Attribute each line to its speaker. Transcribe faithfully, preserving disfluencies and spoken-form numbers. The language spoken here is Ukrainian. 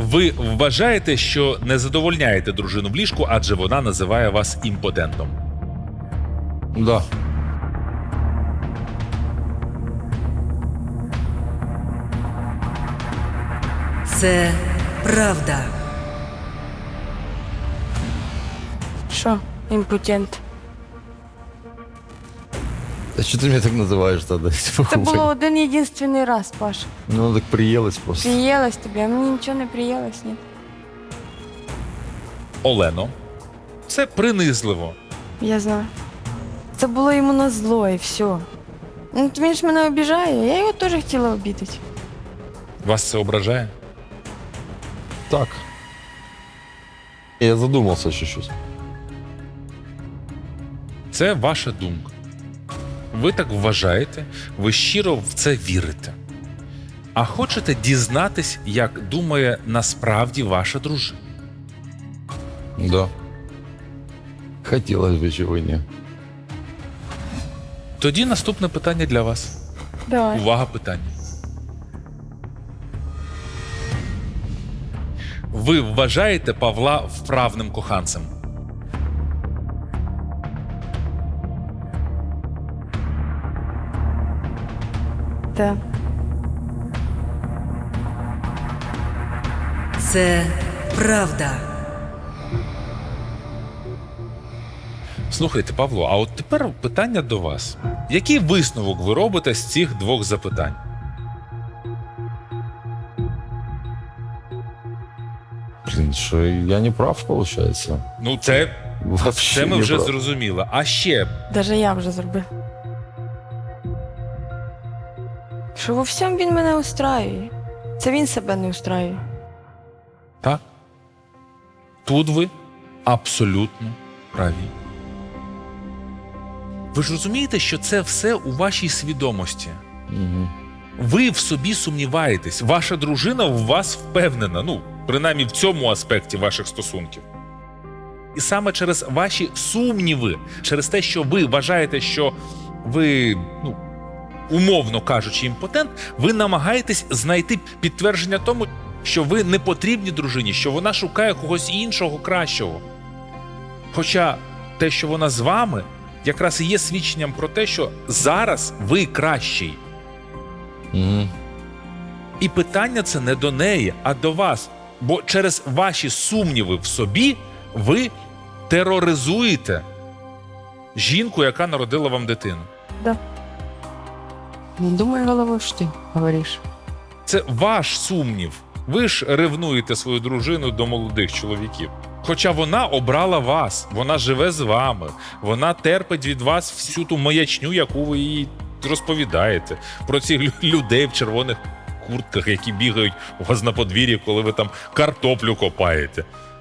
Speaker 1: Ви вважаєте, що не задовольняєте дружину в ліжку, адже вона називає вас імпотентом?
Speaker 2: Да.
Speaker 3: Це правда.
Speaker 4: Що, імпотент?
Speaker 2: А что ты меня так называешь тогда?
Speaker 4: Це було один єдинственний раз, Паш.
Speaker 2: Ну, так приелось просто.
Speaker 4: Приїлась тобі, а мені нічого не приїлось, ні.
Speaker 1: Олено, це принизливо.
Speaker 4: Я знаю. Це було йому на зло і все. Ну, то він ж мене обіжає, я його теж хотіла обідати.
Speaker 1: Вас це ображає?
Speaker 2: Так. Я задумался чуть-чуть.
Speaker 1: Це ваша думка. Ви так вважаєте, ви щиро в це вірите. А хочете дізнатись, як думає насправді ваша дружина?
Speaker 2: Да. Хотелось бы чего не.
Speaker 1: Тоді наступне питання для вас.
Speaker 4: Давай.
Speaker 1: Увага, питання. Ви вважаєте Павла вправним коханцем?
Speaker 4: Так.
Speaker 3: Це правда.
Speaker 1: Слухайте, Павло, а от тепер питання до вас. Який висновок ви робите з цих двох запитань?
Speaker 2: Блин, что я не прав, получается?
Speaker 1: Ну, це,
Speaker 2: Вообще
Speaker 1: це ми
Speaker 2: не
Speaker 1: вже
Speaker 2: прав.
Speaker 1: зрозуміли. А ще,
Speaker 4: Даже я вже зробив. Що во всьому він мене устраює. Це він себе не устраює.
Speaker 1: так? Тут ви абсолютно праві. Ви ж розумієте, що це все у вашій свідомості.
Speaker 2: Мгм.
Speaker 1: Ви в собі сумніваєтесь, ваша дружина в вас впевнена, ну, принаймні в цьому аспекті ваших стосунків. І саме через ваші сумніви, через те, що ви вважаєте, що ви, ну, умовно кажучи, імпотент, ви намагаєтесь знайти підтвердження тому, що ви не потрібні дружині, що вона шукає когось іншого кращого. Хоча те, що вона з вами, якраз і є свідченням про те, що зараз ви кращий.
Speaker 2: Мгм.
Speaker 1: І питання це не до неї, а до вас. Бо через ваші сумніви в собі ви тероризуєте жінку, яка народила вам дитину.
Speaker 4: Да. Не думай головою, що ти говориш.
Speaker 1: Це ваш сумнів. Ви ж ревнуєте свою дружину до молодих чоловіків. Хоча вона обрала вас, вона живе з вами, вона терпить від вас всю ту маячню, яку ви їй розповідаєте. Про цих лю- людей в червоних куртках, які бігають у вас на подвір'ї, коли ви там картоплю копаєте.